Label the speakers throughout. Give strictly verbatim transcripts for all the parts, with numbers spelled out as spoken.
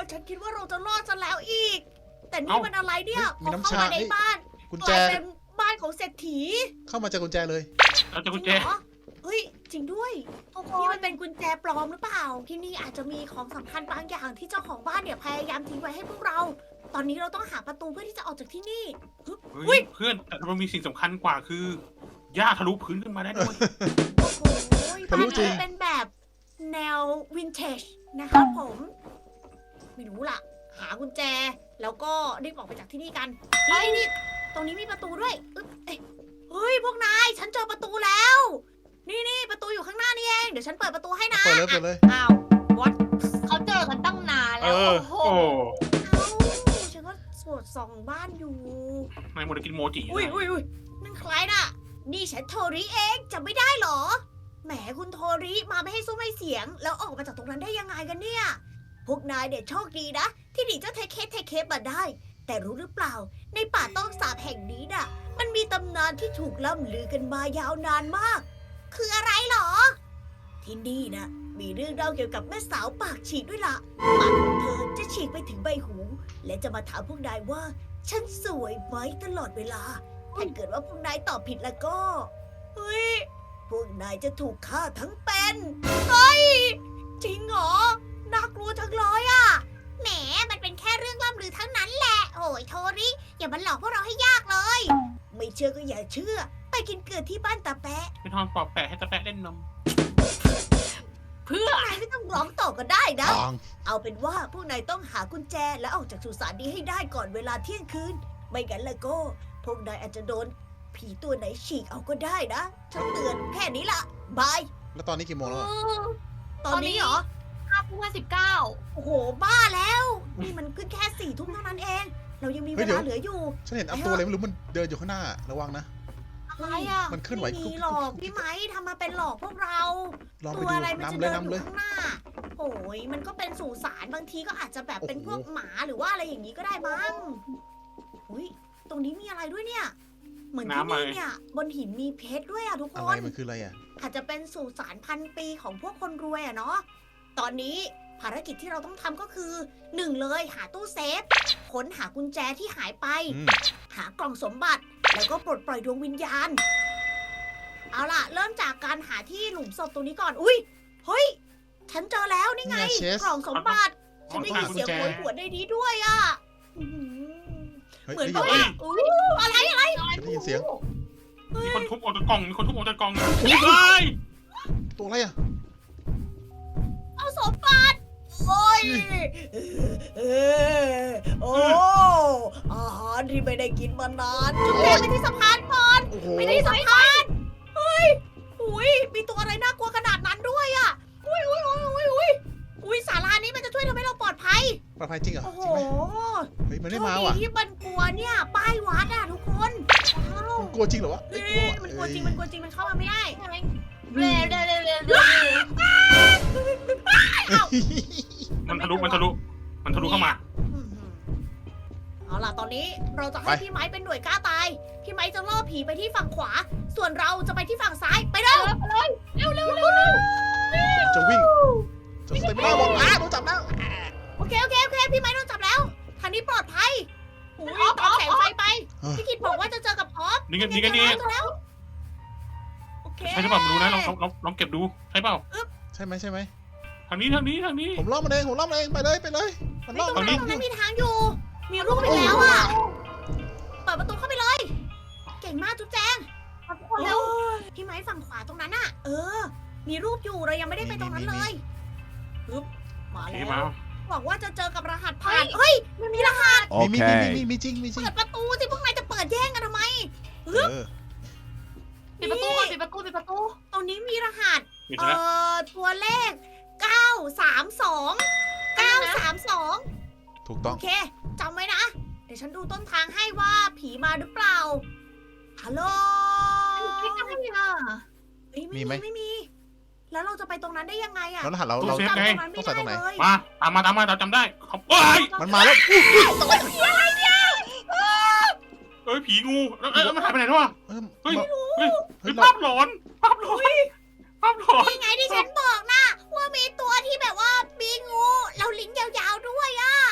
Speaker 1: ฉันคิดว่าเราจะรอดซะแล้วอีก แต่นี่มันอะไรเนี่ยพ
Speaker 2: มี
Speaker 1: อ
Speaker 2: น้ำ
Speaker 1: เข้า
Speaker 2: ชา
Speaker 1: มาในบ้าน
Speaker 2: กุญ
Speaker 1: ก
Speaker 2: แจ
Speaker 1: ลายเป็นบ้านของเศรษฐี
Speaker 2: เข้ามาเจอกุญแจเลย
Speaker 3: เราจะกุญแจ
Speaker 1: จริงเหรอเฮ้ยจริงด้วย
Speaker 4: ทุกค
Speaker 1: นี่
Speaker 4: น
Speaker 1: มันเป็นกุญแจปลอมหรือเปล่า ที่นี่อาจจะมีของสำคัญบางอย่างที่เจ้าของบ้านเนี่ยพยายามทิ้งไว้ให้พวกเรา ตอนนี้เราต้องหาประตูเพื่อที่จะออกจากที่นี่
Speaker 3: เฮ้ยเพื่อนแต่มันมีสิ่งสำคัญกว่าคือหญ้าทะลุพื้นขึ้นมาได้ด้วย
Speaker 1: โอ้โห
Speaker 2: ทะลุจริง
Speaker 1: บ้านนี้เป็นแบบแนววินเทจนะครับผม ไม่รู้ล่ะ หากุญแจ แล้วก็รีบออกไปจากที่นี่กันนี่นี่ตรงนี้มีประตูด้วยอึ๊บเอ้ยเฮ้ยพวกนาย ฉันเจอประตูแล้ว นี่นี่ประตูอยู่ข้างหน้านี่เอง เดี๋ยวฉันเปิดประตูให้นะ
Speaker 2: เปิดเลยเปิดเลย
Speaker 1: อ้าว what
Speaker 4: เขาเจอกันตั้งนาน
Speaker 3: เอ
Speaker 4: แล้ว
Speaker 3: อ
Speaker 4: โอ้โห
Speaker 3: โอ้
Speaker 1: เอ้าฉันก็สวดส่องบ้านอยู่
Speaker 3: นายหมดกินโมจิ
Speaker 1: อุ้ยอุ้ยอุ้ยนั่นใครน่ะ นี่ฉันโทริเองจำไม่ได้เหรอ แหมคุณโทริมาไม่ให้ซุ้มให้เสียง แล้วออกมาจากตรงนั้นได้ยังไงกันเนี่ย พวกนายเด็ดโชคดีนะ ที่หนีเจ้าเทเคสเทเคสมาได้ แต่รู้หรือเปล่า ในป่าต้องสาบแห่งนี้น่ะ มันมีตำนานที่ถูกล่ำลือกันมายาวนานมาก คืออะไรเหรอ ที่นี่นะมีเรื่องเล่าเกี่ยวกับแม่สาวปากฉีกด้วยล่ะปากของเธอจะฉีกไปถึงใบหู และจะมาถามพวกนายว่า ฉันสวยไหมตลอดเวลา ถ้าเกิดว่าพวกนายตอบผิดแล้วก็ เฮ้ย พวกนายจะถูกฆ่าทั้งเป็น เฮ้ย จริงเหรอ น่ากลัวจังเลยอะแหม มันเป็นแค่เรื่องล่ำลือทั้งนั้นแหละ โอ้ยโทริ อย่ามาหลอกพวกเราให้ยากเลย ไม่เชื่อก็อย่าเชื่อ ไปกินเกลือที่บ้านตาแปะ
Speaker 3: ไม่ทอนปอบแปะให้ตะแปะเล่นนม
Speaker 4: เพื่อ
Speaker 1: นายไม่ต้องร้องต่อก็ได้นะ
Speaker 2: ทาง
Speaker 1: เอาเป็นว่าพวกนายต้องหากุญแจและออกจากสุสานนี้ให้ได้ก่อนเวลาเที่ยงคืน ไม่งั้นแล้วก็ พวกนายอาจจะโดนผีตัวไหนฉีกเอาก็ได้นะฉันเตือนแค่นี้ละบาย
Speaker 2: แล้วตอนนี้กี่โมงแล้วอะ
Speaker 1: ตอนนี้เหรอ
Speaker 4: ห้าทุ่มห้าสิบเก้า
Speaker 1: โอ้โห บ้าแล้ว นี่มันขึ้นแค่สี่ทุ่มเท่านั้นเอง เรายังมีเวลาเหลืออยู่
Speaker 2: ฉันเห็นเอาตัวอะไรไม่รู้มันเดินอยู่ข้างหน้าระวังนะ
Speaker 1: อะไรอ่ะ
Speaker 2: มันเคลื่อนไหว
Speaker 1: ไม่มีหรอกพี่ไม้ทำมาเป็นหลอกพวกเรา
Speaker 2: ลองไป
Speaker 1: ตัว
Speaker 2: ดู
Speaker 1: อะไรมันจะ
Speaker 2: นำเล
Speaker 1: เดิ
Speaker 2: ย
Speaker 1: นอ
Speaker 2: นำเล
Speaker 1: ยู่
Speaker 2: ย
Speaker 1: ข้างหน้า โอ้ยมันก็เป็นสุสานบางทีก็อาจจะแบบเป็น
Speaker 2: โอ้
Speaker 1: พ
Speaker 2: โห
Speaker 1: วกหมาหรือว่าอะไรอย่างนี้ก็ได้มั้งอุ้ยตรงนี้มีอะไรด้วยเนี่ย เหมือนที่นี่เนี่ย บนหินมีเพชรด้วยอ่ะทุกค
Speaker 2: อะไร
Speaker 1: น
Speaker 2: มันคืออะไรอ่ะ
Speaker 1: อาจจะเป็นสุสานพันปีของพวกคนรวยอะเนาะ ตอนนี้ภารกิจที่เราต้องทำก็คือหนึ่งเลยหาตู้เซฟ ค้นหากุญแจที่หายไป
Speaker 2: อืม
Speaker 1: หากล่องสมบัติ แล้วก็ปลดปล่อยดวงวิญญาณ เอาล่ะ เริ่มจากการหาที่หลุมศพตรงนี้ก่อน อุ้ย เฮ้ย ฉันเจอแล้วนี่ไง
Speaker 2: นี่ไงเชส
Speaker 1: กล่องสมบัติ ฉันได้ยิน
Speaker 2: กุญ
Speaker 1: เสียง
Speaker 2: แจ
Speaker 1: โหยหวนในนี้ด้วยอะอื้อหือ
Speaker 2: เฮ้ย
Speaker 1: เหมือน
Speaker 2: ได้
Speaker 1: กับ
Speaker 2: ยิน
Speaker 1: ว่าอุ้ยอะไรอะไร
Speaker 2: ฉันได้ยินเสียง
Speaker 3: มีคนทุบออกจากกล่องมีคนทุบออกจากกล่องเฮ้ย
Speaker 2: ตัวอะไรอ่ะ
Speaker 1: เอาสมบัติโอ้ยเออโอ้อาหารที่ไม่ได้กินมานานจุดแรกไปที่สะพานก่อน
Speaker 2: โอ้โห
Speaker 1: ไปที่สะพานเฮ้ยอุ้ยมีตัวอะไรน่ากลัวขนาดนั้นด้วยอ่ะอุ้ยอุ้ยอุ้ยอุ้ยอุ้ยอุ้ยศาลานี้มันจะช่วยทำให้เราปลอดภัย
Speaker 2: ปลอดภัยจริงเหรอ
Speaker 1: โอ้โห
Speaker 2: จริงไหมเฮ้ยมัน
Speaker 1: โช
Speaker 2: ไม่
Speaker 1: ค
Speaker 2: มา
Speaker 1: ดี
Speaker 2: ว่ะ
Speaker 1: ที่มันกลัวเนี่ยป้ายวัดอ่ะทุกคนว้าว
Speaker 2: มันกลัวจริงเหรอวะ
Speaker 1: เฮ้
Speaker 2: เอ้ย
Speaker 1: ยมันกลัวจริงมันกลัวจริงมันเข้ามาไม่ได้
Speaker 4: ใช่ไหมเร็วเร็วเร็วเร็วเร็ว
Speaker 3: มันทะลุมันทะลุมันทะลุเข้ามา
Speaker 1: อืมเอาล่ะตอนนี้เราจะให้พี่ไม้เป็นหน่วยกล้าตาย พี่ไม้จะล่อผีไปที่ฝั่งขวา ส่วนเราจะไปที่ฝั่งซ้าย ไปเร็ว
Speaker 4: เร็วเร็วเร็วเร็วเร็ว
Speaker 2: จะวิ่งจะสเตปไม่ได้บอกอ้าโดนจับแล้ว
Speaker 1: โอเคโอเคโอเค พี่ไม้โดนจับแล้ว ทางนี้ปลอดภัยอุ้ยตามแสงไฟไป พี่กิดบอกว่าจะเจอกับออฟ
Speaker 3: นี่กันนี่กันนี่
Speaker 1: เจอแล้วโอเค
Speaker 3: ใช่หรือเปล่าไม่รู้นะลองลองลองเก็บดูใช่เปล่า
Speaker 2: ใช่ไหมใช่ไหม
Speaker 3: ทางนี้ทางนี้ทางนี้
Speaker 2: ผมล่อมันเองผมล่อมันเองไปเลยไปเลยมัน
Speaker 1: ไม่
Speaker 2: ล่อ
Speaker 1: ตรง
Speaker 2: มัน
Speaker 1: นั้นตรงนั้นมีทางอยู่ มีรูปไปแล้วอ่ะ เปิดประตูเข้าไปเลย เก่งมากจุ๊บแจง
Speaker 4: ทุกคนเร็ว
Speaker 1: พี่ไม้ฝั่งขวาตรงนั้นอ่ะ เออ มีรูปอยู่เรายังไม่ได้ไปตรงนั้นเลยปึ๊บมา
Speaker 3: โอเค
Speaker 1: แล้ว
Speaker 3: มา
Speaker 1: หวังว่าจะเจอกับรหัสผ่าน เฮ้ย มันมีรหัส
Speaker 2: มีมีมี
Speaker 5: Okay.
Speaker 2: มีมีจริงมีจริง
Speaker 1: เปิดประตูสิพวกนายจะเปิดแย่งกันทำไม
Speaker 2: เออ
Speaker 4: ปิดประตูก่อนปิดประตูปิดประตู
Speaker 1: ตรงนี้มีรหัส
Speaker 3: มี
Speaker 1: เอ่
Speaker 3: แล้ว
Speaker 1: อ ตัวเลขเก้าสามสองเก้าสามสอง
Speaker 2: ถูกต้
Speaker 1: โอ
Speaker 2: อง
Speaker 1: เคจำไว้นะ เดี๋ยวฉันดูต้นทางให้ว่าผีมาหรือเปล่า ฮัลโหล
Speaker 4: ไม่ได้อ่ะ
Speaker 1: เอ้ย
Speaker 2: มี
Speaker 1: ไม่
Speaker 2: ไหม
Speaker 1: มีไม่มี แล้วเราจะไปตรงนั้นได้ยังไงอะ
Speaker 2: แล้วรหัสเราเรา
Speaker 1: จำตรงนั้น
Speaker 2: ต้
Speaker 1: ไม่
Speaker 2: องใส่ตรงไหน
Speaker 1: ได้เลย
Speaker 3: มาตามมาตามมาเราจำได้เขาเอ้ย
Speaker 2: มันมาแล้วอุ๊ยอุ๊ย
Speaker 3: เอ้ยผีงูแล้วเอ้ยมันหายไปไหนแล้ววะ
Speaker 2: เออ
Speaker 3: เฮ้ย
Speaker 2: มา
Speaker 3: เฮ้ย
Speaker 2: เฮ้ย
Speaker 3: ภาพหลอนภาพหลอนภาพหลอน
Speaker 1: นี่ไงที่ฉันบอกนะว่ามีตัวที่แบบว่ามีงูแล้วลิ้นยาวๆด้วยอะ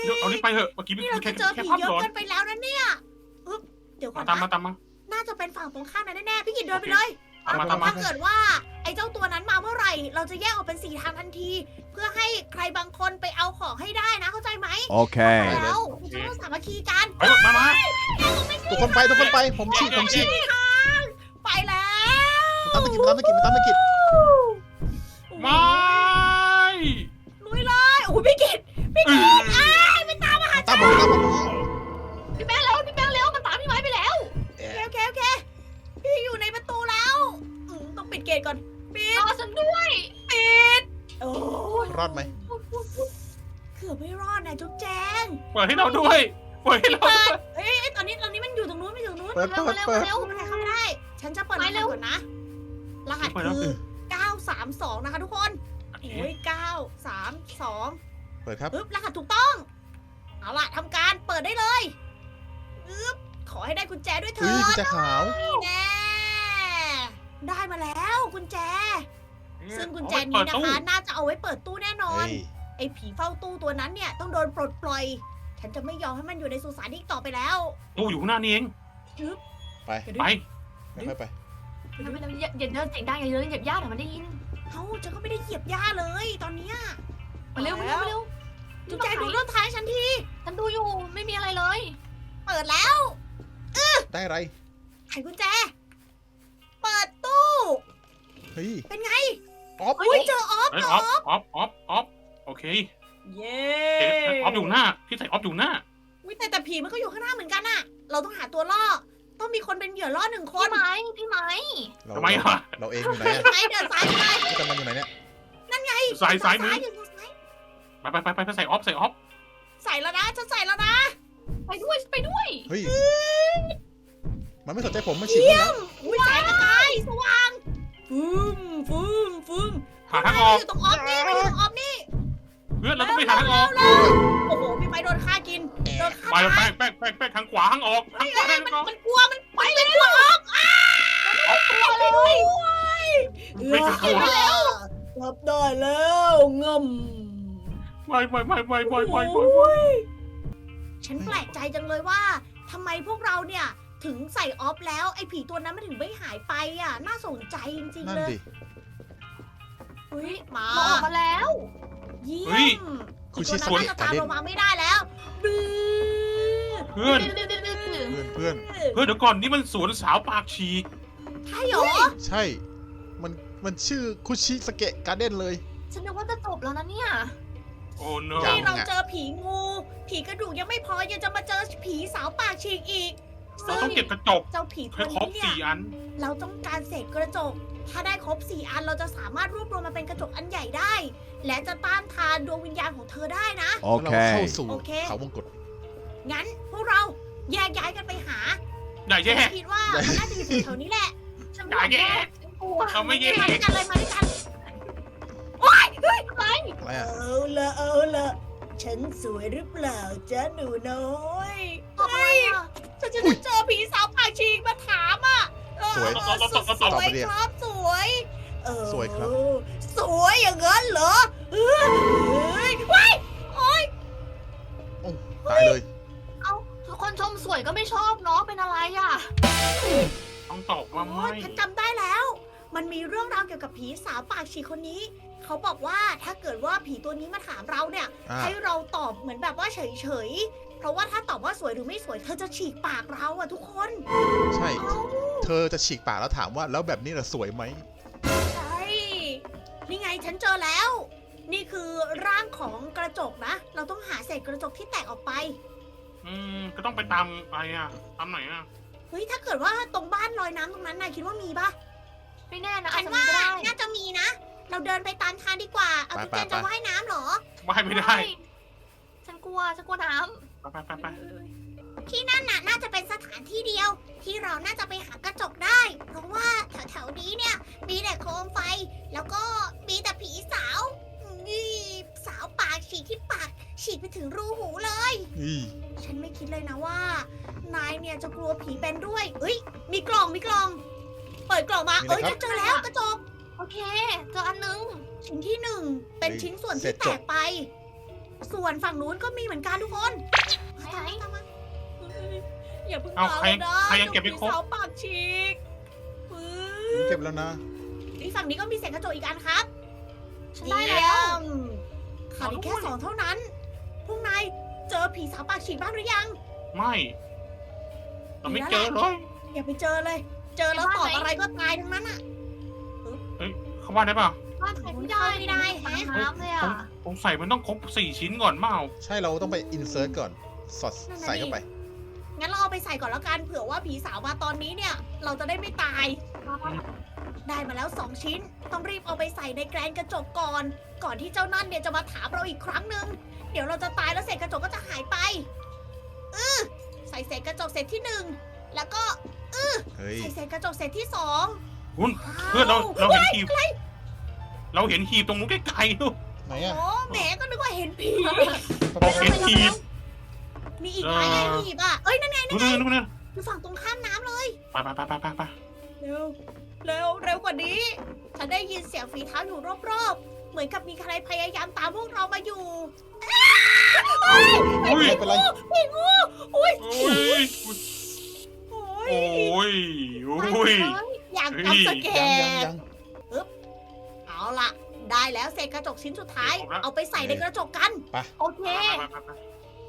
Speaker 3: เดี๋ยวเอานี่ไปเถอะเมื่อกี้
Speaker 1: นี่
Speaker 3: มั
Speaker 1: เรา
Speaker 3: นแค่
Speaker 1: จะเจอ
Speaker 3: แค่
Speaker 1: ผี
Speaker 3: ภาพ
Speaker 1: เยอะ
Speaker 3: หลอน
Speaker 1: เกินไปแล้วนะเนี่ยอึ๊บเดี๋ยวก่อ
Speaker 3: มาน ตามมา
Speaker 1: นะ
Speaker 3: ตามมา
Speaker 1: น่าจะเป็นฝั่งตรงข้ามนั้นแน่ๆพี่กินเดินไปเลย
Speaker 3: ตามมาตามมา
Speaker 1: ถ้าเกิดว่าไอ้เจ้าตัวนั้นมาเมื่อไหร่ เราจะแยกออกเป็นสี่ทางทันที เพื่อให้ใครบางคนไปเอาของให้ได้นะเข้าใจไหม
Speaker 5: Okay.
Speaker 1: แล้วเราต้องสามัคคีกัน
Speaker 3: เฮ้ยมามา
Speaker 2: ทุกคนไปทุกคนไปผมฉีกผมฉีก
Speaker 1: ไปแล้ว
Speaker 2: มันตามตะกิดมันตามตะกิดมันตามตะกิด
Speaker 3: ไม่
Speaker 1: ลุยเลยโอ้โหพี่กิตพี่กิตอ้ายไม่ตามมาหา
Speaker 2: ตามผมตามผม
Speaker 4: พี่แป้งแล้วพี่แป้งแล้วมันตามพี่ไม้ไปแล้ว
Speaker 1: โอเคโอเคโอเคพี่อยู่ในประตูแล้วอืมต้องปิดเกตก่อนปิด
Speaker 4: รอฉันด้วย
Speaker 1: ปิดโอ้ย
Speaker 2: รอดไหม
Speaker 1: เกือบไม่รอดนะจุ๊บแจง
Speaker 3: เปิดให้เราด้วยเปิดให้เราด้วย
Speaker 1: เอ้ยเอ้ยตอนนี้ตอนนี้มันอยู่ตรงนู้นไม่อยู่ตรงนู้น
Speaker 2: เปิด
Speaker 4: เร็ว
Speaker 2: เปิด
Speaker 4: เร็ว
Speaker 2: เปิด
Speaker 4: เร็ว
Speaker 1: เข้าไม่ได้เข้าไม่ได้ ฉันจะเปิดร
Speaker 4: ไป
Speaker 1: หัส
Speaker 4: เร็ว
Speaker 1: ก่อนนะ รหัสคือเก้าสามสองนะคะทุกคนโอ้ยเก้าสามสอง
Speaker 2: เปิดครับ
Speaker 1: ปึ๊บรหัสถูกต้อง เอาล่ะทำการเปิดได้เลยปึ๊บขอให้ได้กุญแจด้วยเถิ
Speaker 2: เฮ้ยกุญ
Speaker 1: ด
Speaker 2: แจขาว
Speaker 1: นี่แน่ได้มาแล้วกุญแจ ซึ่งกุญแจนี้นะคะ น่าจะเอาไว้เปิดตู้แน่นอน
Speaker 2: เฮ้ย
Speaker 1: ไอ้ผีเฝ้าตู้ตัวนั้นเนี่ยต้องโดนปลดปล่อย ฉันจะไม่ยอมให้มันอยู่ในสุสานอีกต่อไปแล้ว
Speaker 3: ตู้อยู่ข้างหน้านี่เอง
Speaker 2: ไป
Speaker 3: ไป
Speaker 2: ค่อยๆไป
Speaker 4: ทำไมเราอย่าอย่าเดินเสียงดังอย่าเดินเหยียบย่าเดี๋ยวมันได้ยิน
Speaker 1: เอ้าฉันก็ไม่ได้เหยียบหญ้าเลยตอนเนี้ย
Speaker 4: มาเร็วมาเร็วมาเร็ว
Speaker 1: จุ๊บแจงดูต้นท้ายฉันที
Speaker 4: ฉันดูอยู่ไม่มีอะไรเลย
Speaker 1: เปิดแล้ว
Speaker 2: ได้อะไร
Speaker 1: ไขกุญแจ เปิดตู้
Speaker 2: เฮ้ย
Speaker 1: เป็นไง
Speaker 2: ออฟ
Speaker 1: อุ้ยเจอออฟ
Speaker 3: เฮ้ย
Speaker 1: เจ
Speaker 3: อ
Speaker 1: อ
Speaker 3: อ
Speaker 1: อ
Speaker 3: ฟ
Speaker 1: อฟ
Speaker 3: ออฟออฟออฟโอเค
Speaker 1: เย้
Speaker 3: เอ๊ะออฟอยู่หน้าพี่ใส่ออฟอยู่หน้า
Speaker 1: วิแต่แต่ผีมันก็อยู่ข้างหน้าเหมือนกันอะเราต้องหาตัวล่อ ต้องมีคนเป็นเหยื่อล่อหนึ่งค
Speaker 4: พี่
Speaker 1: น
Speaker 4: ไม้พี่ไม้
Speaker 2: เรา
Speaker 3: ทำไมอ่ะ
Speaker 2: เราเองอยู่ไหนอะ
Speaker 1: ไหนเดินซ้ายไป
Speaker 2: พี่กันมันอยู่ไหนเนี่ย
Speaker 3: สายซ้ายมือ
Speaker 1: อยู่ซ้าย
Speaker 3: ไปไปไปไปใส่ออฟใส่ออฟ
Speaker 1: ใส่แล้วนะฉันใส่แล้วนะ
Speaker 4: ไปด้วยไปด้วย
Speaker 2: เฮ้ยมันไม่สนใจผมมันฉีกแล้ว
Speaker 1: อุ้ยแสงกระจายสว่างฟึ่มฟึ่มฟึ่ม
Speaker 3: หาทางออก
Speaker 1: อยู่ตรงออฟนี่มันอยู่ตรงออฟนี่
Speaker 3: เพื่อนเราต้องไปหาทางออก
Speaker 1: เร็วๆโอ้โหพี่ไปโดนฆ่ากินโดนฆ่า
Speaker 3: ไป
Speaker 1: ตาย
Speaker 3: แป้งแป้งแป้งแป้งทางขวาทางออกทางขวา
Speaker 1: เฮ้ย
Speaker 3: ทาง
Speaker 1: มัน
Speaker 3: ออก
Speaker 1: มันกลัวมันไปเลยกลัวออกอ้าตัวเลยด้วย
Speaker 3: ไม่กลัว
Speaker 1: แล้วรับได้แล้วงม
Speaker 3: ไม่ไม่ไม่ไม่ไม่ไม่ไม่
Speaker 1: โอ้ยฉันแปลกใจจังเลยว่าทำไมพวกเราเนี่ยถึงใส่ออฟแล้วไอ้ผีตัวนั้นมันถึงไม่หายไปอ่ะ น่าสนใจจริง
Speaker 2: นั่
Speaker 1: ๆ
Speaker 2: น
Speaker 1: เลย
Speaker 2: ดิ
Speaker 1: เฮ้ยมา
Speaker 4: เราออกมาแล้ว
Speaker 1: เยี่ยม
Speaker 2: คุ
Speaker 1: อี
Speaker 2: ชิ
Speaker 1: ก
Speaker 2: ส
Speaker 1: ตัว
Speaker 2: วย
Speaker 1: นั้นน่าจะ
Speaker 2: กา
Speaker 1: ตาม
Speaker 2: เด่น
Speaker 1: เรามาไม่ได้แล้วดื้อ
Speaker 3: เพื่อน
Speaker 4: ดื้อดื้อดื้อดื้อ
Speaker 2: เพื่อนเพื่อน
Speaker 3: เพื่อนเดี๋ยวก่อนนี่มันสวนสาวปากฉีก
Speaker 1: ใช่เหรอ
Speaker 2: ใช่ มันมันชื่อคุชิสเกะการ์เด้นเลย
Speaker 4: ฉันนึกว่าจะจบแล้วนะเนี่ย
Speaker 3: โอ้โน
Speaker 2: ยั
Speaker 1: นี่
Speaker 2: ง
Speaker 1: เราเจอผีงู ผีกระดูกยังไม่พอยังจะมาเจอผีสาวปากฉีกอีก
Speaker 3: เราต้องเก็บกระจก
Speaker 1: เจ้าผีตั
Speaker 3: ให้
Speaker 1: ว
Speaker 3: ครบ
Speaker 1: นี้เนี่ย
Speaker 3: สี่อัน
Speaker 1: เราต้องการเศษกระจก ถ้าได้ครบสี่อันเราจะสามารถรวบรวมมาเป็นกระจกอันใหญ่ได้ และจะต้านทานดวงวิญญาณของเธอได้นะ
Speaker 2: แล้วเราเข้า
Speaker 5: Okay.
Speaker 2: สู่
Speaker 1: โอเค
Speaker 2: เขาวงกต
Speaker 1: งั้นพวกเราแยกย้ายกันไปหา
Speaker 3: อย่าแย่
Speaker 1: ฉันคิดว่ามันน่าจะอยู่แถวๆนี้แหละ
Speaker 4: ฉัน
Speaker 3: อย่าแย่
Speaker 4: ฉันกลัว
Speaker 3: เราไม่แย่
Speaker 1: มาด้วยกันเลยมาด้วยกันว้ายเฮ้ย
Speaker 4: อะไร
Speaker 2: อะไรอ่ะ
Speaker 1: เอาละเอาละฉันสวยหรือเปล่าจ๊ะหนูน้อย
Speaker 4: ทำไมอ่ะ
Speaker 1: ฉันจะเจอผีสาวปากฉีกมาถามอ่ะเออ
Speaker 2: สวย
Speaker 1: เออสวยสวยครับสวยเออ
Speaker 2: สวยครับ
Speaker 1: สวยอย่างนั้นเหรอเฮ้ยว้ายโอ๊ย
Speaker 2: โอ้ตายเลย
Speaker 4: เอาทุกคนชมสวยก็ไม่ชอบเนาะเป็นอะไรอ่ะ
Speaker 3: ต้องตอบว่า
Speaker 1: โอ๊
Speaker 3: ไม่
Speaker 1: ยฉันจำได้แล้ว มันมีเรื่องราวเกี่ยวกับผีสาวปากฉีกคนนี้ เขาบอกว่าถ้าเกิดว่าผีตัวนี้มาถามเราเนี่ย
Speaker 2: อ่า
Speaker 1: ให้เราตอบเหมือนแบบว่าเฉยๆ เพราะว่าถ้าตอบว่าสวยหรือไม่สวย เธอจะฉีกปากเราอะทุกคน
Speaker 2: ใช่ เธอจะฉีกปากแล้วถามว่าแล้วแบบนี้น่ะสวยไหม
Speaker 1: ใช่ นี่ไงฉันเจอแล้ว นี่คือร่างของกระจกนะ เราต้องหาเศษกระจกที่แตกออกไป
Speaker 3: อืมก็ต้องไปตามอะไรอ่ะตามไหนอ่ะ
Speaker 1: เฮ้ย ถ้าเกิดว่าตรงบ้านลอยน้ำตรงนั้นนายคิดว่ามีปะ
Speaker 4: ไม่แน่นะ
Speaker 1: ฉั
Speaker 4: อาจ
Speaker 1: น
Speaker 4: จะ
Speaker 1: ว่า
Speaker 4: มีก็ได้
Speaker 1: น่าจะมีนะ เราเดินไปตามทางดีกว่า เอา
Speaker 2: ไป
Speaker 1: ตุ๊กแก
Speaker 2: ไป
Speaker 1: จะว่ายน้ำเหรอ
Speaker 3: ว่ายไม่ได้
Speaker 4: ฉันกลัวฉันกลัวน้
Speaker 3: ไปไปไปไป
Speaker 1: ที่นั่นน่ะน่าจะเป็นสถานที่เดียว ที่เราน่าจะไปหากระจกได้ เพราะว่าแถวๆนี้เนี่ย มีแต่โคมไฟ แล้วก็มีแต่ผีสาวนี่สาวปากฉีกที่ปากฉีกไปถึงรูหูเลย
Speaker 2: อี
Speaker 1: ฉันไม่คิดเลยนะว่า นายเนี่ยจะกลัวผีเป็นด้วยเอ้ย มีกล่องมีกล่อง เปิดกล่องมา เอ้ยฉันเจอแล้วกระจก
Speaker 4: ำโอเคเจออันนึง
Speaker 1: ชิ้นที่หนึ่งเป็นชิ้นส่วนที่แตกไปส่วนฝั่งนู้นก็มีเหมือนกันทุกคน
Speaker 4: ไหน
Speaker 1: ตามมาเฮ้ยอย่าเพิ่ง
Speaker 3: เอา
Speaker 1: มา
Speaker 3: ใคร
Speaker 1: เลยนะ
Speaker 3: ใครยังเก็บไม่ครบ
Speaker 1: เจ้าผีสาวปากฉีกปึ๊
Speaker 2: ผม
Speaker 1: บ
Speaker 2: เก็บแล้วนะ
Speaker 1: อีกฝั่งนี้ก็มีเศษกระจกอีกอันครับ
Speaker 4: ฉันได้
Speaker 1: เยี่
Speaker 4: แล้
Speaker 1: ยว มขาดอีกแค่สองเท่านั้น พวกนายเจอผีสาวปากฉีกบ้างหรือยัง
Speaker 3: ไม่เราไม่เจอเลย
Speaker 1: อย่าไปเจอเลย เจอแล้วตอบอะไรก็ตายทั้งนั้นอ่ะ
Speaker 3: เขาว่าได้เปล่า
Speaker 4: บ้านใครไม่ได้
Speaker 1: ไม่ได้
Speaker 4: ปัญ
Speaker 1: แฮะ
Speaker 4: น้ำเลยอ่ะ
Speaker 3: ผมใส่มันต้องครบสี่ชิ้นก่อนเปล่า
Speaker 2: ใช่เราต้องไปอินเสิร์ตก่อน สอด
Speaker 1: นั่นน่ะ
Speaker 2: ใส่เข้าไป
Speaker 1: งั้นเราเอาไปใส่ก่อนแล้วกัน เผื่อว่าผีสาวมาตอนนี้เนี่ย เราจะได้ไม่ตาย ได้มาแล้วสองชิ้น ต้องรีบเอาไปใส่ในแกรนกระจกก่อน ก่อนที่เจ้านั่นเนี่ยจะมาถามเราอีกครั้งหนึ่ง เดี๋ยวเราจะตายแล้วเศษกระจกก็จะหายไปเออใส่เศษกระจกเศษที่หนึ่ง แล้วก็
Speaker 2: เฮ้ย
Speaker 1: ใส่เศษกระจกเศษที่สอง
Speaker 3: คุณเพื่อนเราเราเห็นหีบเราเห็นหีบตรงนู้นไกลๆลูก
Speaker 2: ไหน
Speaker 1: โอ้
Speaker 2: อะ
Speaker 1: แหมก็นึกว่าเห็นผี
Speaker 3: เราเห็นหีบ
Speaker 1: มีอีกไหมไงหีบอ่ะ เอ้ยนั่นไง
Speaker 3: นู่นนู่นนู่น
Speaker 1: อยู่ฝั่งตรงข้ามน้ำเลย
Speaker 3: ไปไปไปไปไปไป
Speaker 1: เร็ว เร็ว เร็วกว่านี้ ฉันได้ยินเสียงฝีเท้าอยู่รอบๆ เหมือนกับมีใครพยายามตามพวกเรามาอยู่
Speaker 3: อุ้ย
Speaker 2: ไม่เป็นไร
Speaker 1: พี่งูอุ้ย
Speaker 3: อุ้ย
Speaker 1: โอ้
Speaker 3: โอ้
Speaker 1: ย
Speaker 3: ยอุ้ย
Speaker 1: อยาก
Speaker 3: เฮ้ย
Speaker 1: จำสแก
Speaker 2: ยังยัง
Speaker 1: น
Speaker 2: ยัง
Speaker 1: เอาล่ะ ได้แล้วเศษกระจกชิ้นสุดท้าย
Speaker 3: เสร็จแล้ว
Speaker 1: เอาไปใส่ในกระจกกัน
Speaker 4: โอเค
Speaker 3: ไปไปไป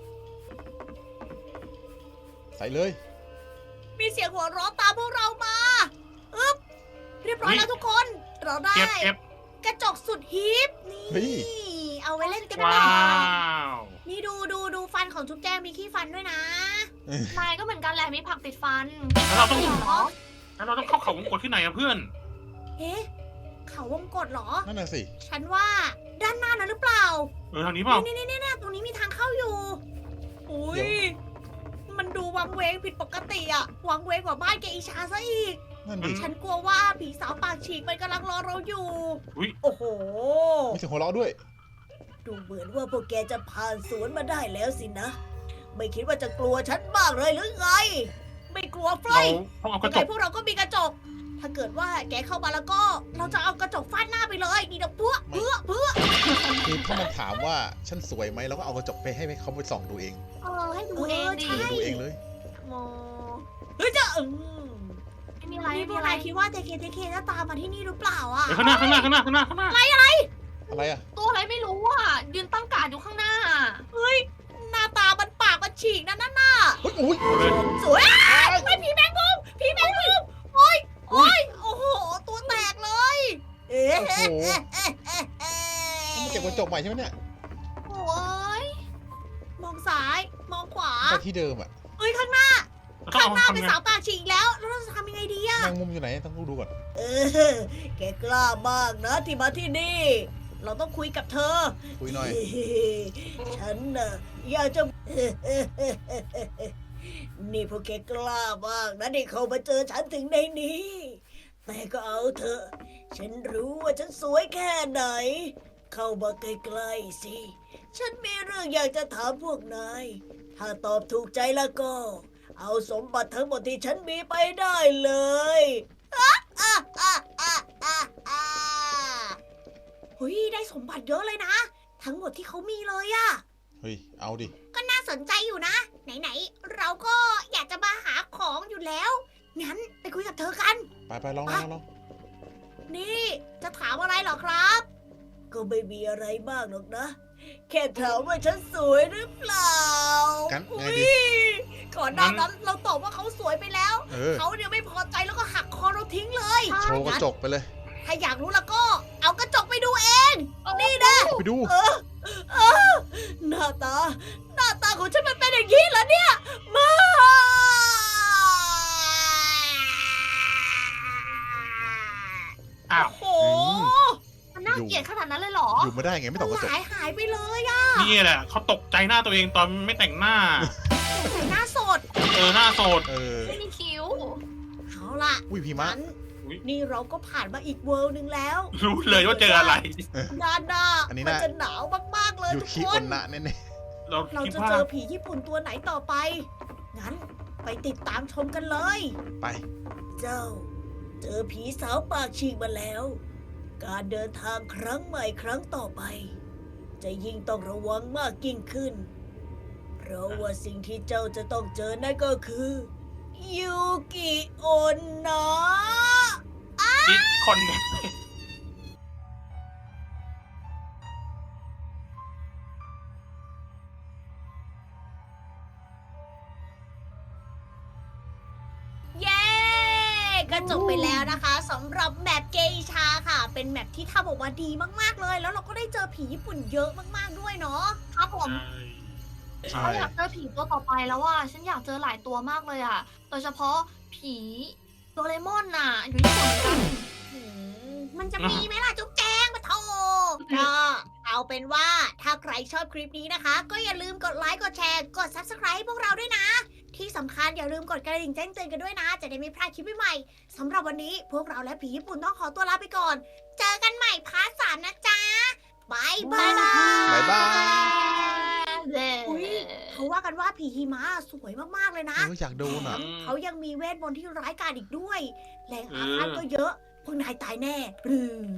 Speaker 2: ใส่เลย
Speaker 1: มีเสียงหัวเราะตามพวกเรามาอึ๊บ เรียบร้อยแล้วทุกคน เราได้
Speaker 3: เก็บเก็บ
Speaker 1: กระจกสุดฮิป
Speaker 2: เฮ้
Speaker 1: นี่
Speaker 2: ย
Speaker 1: เอาไว้เล่นกัน
Speaker 3: ว้า
Speaker 1: ได้
Speaker 3: ว
Speaker 1: นี่ดูดูดูฟันของจุ๊บแจงมีขี้ฟันด้วยนะ
Speaker 4: นายก็เหมือนกันแหละมีผักติดฟัน
Speaker 3: แล้วเราต้อง
Speaker 4: เหรอ
Speaker 3: แล้วเราต้องเข้าเขาวงกตที่ไหนอะเพื่อน
Speaker 1: เอ๊ะ เขาวงกดเหรอ
Speaker 2: นั่นน่ะสิ
Speaker 1: ฉันว่าด้านหน้านั้นหรือเปล่า
Speaker 3: เออทางนี้เปล่า
Speaker 1: นี่นี่นี่นี่ตรงนี้มีทางเข้าอยู่ อุ้ย มันดูวังเวงผิดปกติอะวังเวงกว่าบ้านแกอีชาซะอีก
Speaker 2: นั่นดิ
Speaker 1: ฉันกลัวว่าผีสาวปากฉีกมันกำลังรอเราอยู่
Speaker 3: อุ๊ย
Speaker 1: โอ้โห
Speaker 2: มีเสียงหัวเราะด้วย
Speaker 1: ดูเหมือนว่าพวกแกจะผ่านสวนมาได้แล้วสินะ ไม่คิดว่าจะกลัวฉันบ้างเลยหรือไง ไม่กลัวไฟ
Speaker 3: เราต้องเอาก
Speaker 1: ยั
Speaker 3: ระ
Speaker 1: ง
Speaker 3: จ
Speaker 1: ไง
Speaker 3: ก
Speaker 1: พวกเราก็มีกระจก ถ้าเกิดว่าแกเข้ามาแล้วก็ เราจะเอากระจกฟาดหน้าไปเลยนี่นะเพื่อเพื่อเพื่อ
Speaker 2: คือถ้ามันถามว่าฉันสวยไหมเราก็เอากระจกไปให้เขาไปส่องดูเอง
Speaker 4: เออให้ดูเองดิ
Speaker 1: ใช่
Speaker 2: ดูเองเลย
Speaker 1: โมเฮ้ยจะอืม
Speaker 4: ไม่มีอะไร
Speaker 1: นี่
Speaker 4: ไม่
Speaker 1: พ
Speaker 4: มี
Speaker 1: วก
Speaker 4: อะไร
Speaker 1: นายคิดว่าเทเคเทเคจะตามมาที่นี่หรือเปล่าอ่ะ
Speaker 3: เฮ้ยข้างหน้าข้างหน้าข้างหน้าข้างหน้าข้างหน้า
Speaker 2: อะไรอะ
Speaker 4: ตัวอะไรไม่รู้อ่ะยืนตั้งการดอยู่ข้างหน้า
Speaker 1: เฮ้ย หน้าตามันปากมันฉีกนะนั่นน่ะ
Speaker 2: เฮ้ยอุ้ย
Speaker 1: สวยอ้าวไม่ผีแมงมุมผีแมงมุมโอ้ยโอ้ยโอ้โห ตัวแตกเลย เอ๊ะ
Speaker 2: โอ้โห
Speaker 1: เอ๊ะเอ๊ะเอ๊ะเอ๊ะ
Speaker 2: ต้องมาเก็บกระจกใหม่ใช่ไหมเนี่ย
Speaker 4: โอ้ย
Speaker 1: มองซ้าย มองขวา
Speaker 2: ไปที่เดิมอะ
Speaker 1: เอ้ยข้างหน้า
Speaker 3: เราต้อง
Speaker 1: ข้าง
Speaker 3: เอา
Speaker 1: หน้าเป็น
Speaker 3: ทำไง
Speaker 1: สาวปากฉีกแล้ว แล้วเราจะทำยังไงดีอะ
Speaker 2: แมงมุมอยู่ไหนต้องดูก่อน
Speaker 1: เออ แกกล้ามากนะที่มาที่นี่ เราต้องคุยกับเธอ
Speaker 2: คุยหน่อย
Speaker 1: ฉันน่ะอยากจะ นี่พวกแกกล้ามากนะที่เขามาเจอฉันถึงในนี้ แต่ก็เอาเถอะ ฉันรู้ว่าฉันสวยแค่ไหน เข้ามาใกล้ๆสิ ฉันมีเรื่องอยากจะถามพวกนาย ถ้าตอบถูกใจแล้วก็ เอาสมบัติทั้งหมดที่ฉันมีไปได้เลยอ่ะอ่ะอ่ะอ่ะอ่ะอ่ะเฮ้ยได้สมบัติเยอะเลยนะ ทั้งหมดที่เขามีเลยอะ
Speaker 2: เฮ้ย เอาดิ
Speaker 1: ก็น่าสนใจอยู่นะ ไหนๆ เราก็อยากจะมาหาของอยู่แล้ว งั้นไปคุยกับเธอกัน
Speaker 2: ไปไปลองลองลอง
Speaker 1: นี่จะถามอะไรเหรอครับ ก็ไม่มีอะไรมากหรอกนะ แค่ถามว่าฉันสวยหรือเปล่า
Speaker 2: กันไง
Speaker 1: อุ๊
Speaker 2: ดี
Speaker 1: ยก่อนหน้านั้นเราตอบว่าเขาสวยไปแล้ว
Speaker 2: เออ
Speaker 1: เขาเนี่ยไม่พอใจแล้วก็หักคอเราทิ้งเลย
Speaker 2: โชว์กระจกไปเลย
Speaker 1: ถ้าอยากรู้แล้วก็ เอากระจกไปดูเอง นี่นะ
Speaker 2: ไปดู
Speaker 1: เออเออหน้าตา หน้าตาของฉันมันเป็นอย่างนี้เหรอเนี่ยมา
Speaker 3: อ้าว
Speaker 1: โอ้โห
Speaker 4: มันน่าเกลียดขนาดนั้นเลยเหรอ
Speaker 2: อยู่ไม่ได้ไงไม่ต้องกระจก
Speaker 1: หายหายไปเลยอะ
Speaker 3: นี่แหละเขาตกใจหน้าตัวเองตอนไม่แต่งหน้า
Speaker 1: ใส่หน้าสด
Speaker 3: เออหน้าโสด
Speaker 2: เออ
Speaker 4: ไม่มีคิ้ว
Speaker 1: เอาล่ะ
Speaker 2: อุ้ยพีมะ
Speaker 1: งั้น
Speaker 3: อุ๊ย
Speaker 1: นี่เราก็ผ่านมาอีกเวิลด์หนึ่งแล้ว
Speaker 3: รู้เลยว่าเจออะไร
Speaker 1: ด้านหน้า
Speaker 2: อันนี้
Speaker 1: มั
Speaker 2: น่ะ
Speaker 1: จะหนาวมากๆเลย
Speaker 2: อยู่
Speaker 1: ทุก
Speaker 2: คี
Speaker 1: ค
Speaker 2: อน นนะแน่
Speaker 3: เรา
Speaker 1: เรา
Speaker 3: คิด
Speaker 1: จะ
Speaker 3: ว่า
Speaker 1: เจอผีญี่ปุ่นตัวไหนต่อไป งั้นไปติดตามชมกันเลย
Speaker 2: ๆไป
Speaker 1: เจ้า เจอผีสาวปากฉีกมาแล้ว การเดินทางครั้งใหม่ครั้งต่อไปจะยิ่งต้องระวังมากยิ่งขึ้น เพราะว่าสิ่งที่เจ้าจะต้องเจอนั่นก็คือยูกิโอนนะ
Speaker 3: คิดคนเนี่ย
Speaker 1: เย้ก็จบไปแล้วนะคะสำหรับแมปเกอิชาค่ะ เป็นแมปที่ทำออกมาดีมากๆเลย แล้วเราก็ได้เจอผีญี่ปุ่นเยอะมากๆด้วยเนาะ
Speaker 4: ครับผม
Speaker 3: ใช่
Speaker 4: ฉันอยากเจอผีตัวต่อไปแล้วอ่ะฉันอยากเจอหลายตัวมากเลยอ่ะ โดยเฉพาะผีโดเรมอนน่ะ อยู่ญี่ปุ่นเหมือนกัน
Speaker 1: หืมมันจะมีไหมล่ะจุ๊บแจงมาโทก็เอาเป็นว่าถ้าใครชอบคลิปนี้นะคะ ก็อย่าลืมกดไลค์กดแชร์กด ซับสไครบ์ ให้พวกเราด้วยนะ ที่สำคัญอย่าลืมกดกระดิ่งแจ้งเตือนกันด้วยนะ จะได้ไม่พลาดคลิปใหม่ๆสำหรับวันนี้พวกเราและผีญี่ปุ่นต้องขอตัวลาไปก่อน เจอกันใหม่พาร์ทสามนะจ๊ะบายบาย
Speaker 2: บ๊ายบาย
Speaker 1: อุ๊ย เขาว่ากันว่าผีหิมะสวยมากๆเลยนะ
Speaker 2: เอออยากดูน่ะ
Speaker 1: เขายังมีเวทมนต์ที่ร้ายกาจอีกด้วย แรงอาฆาตก็เยอะ พวกนายตายแน่หรือ